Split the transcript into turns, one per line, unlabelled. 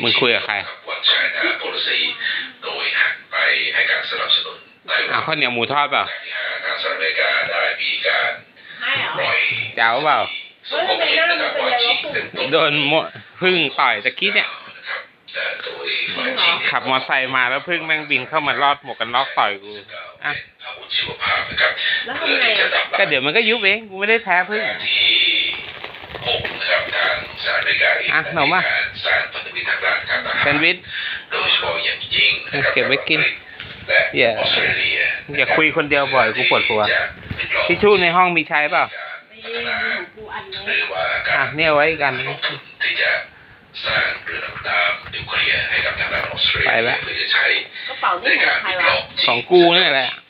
มึงคุยกับใครข้าวเหนียวหมูทอดเปล่าเจ้าเปล่าโดนพึ่งต่อยตะกี้เนี่ยขับมอเตอร์ไซค์มาแล้วพึ่งแม่งบินเข้ามาลอดหมวกกันน็อกต่อยกูอ่ะก็เดี๋ยวมันก็ยุบเองกูไม่ได้แพ้พึ่งอ่ะหนูมาแซนด์วิชเก็บไว้กินอย่าคุยคนเดียวบ่อยกูปวดหัวทิชชู่ในห้องมีใช้เปล่าอ่ะเนี่ยไว้กันไปแล้วของกูนี่แหละ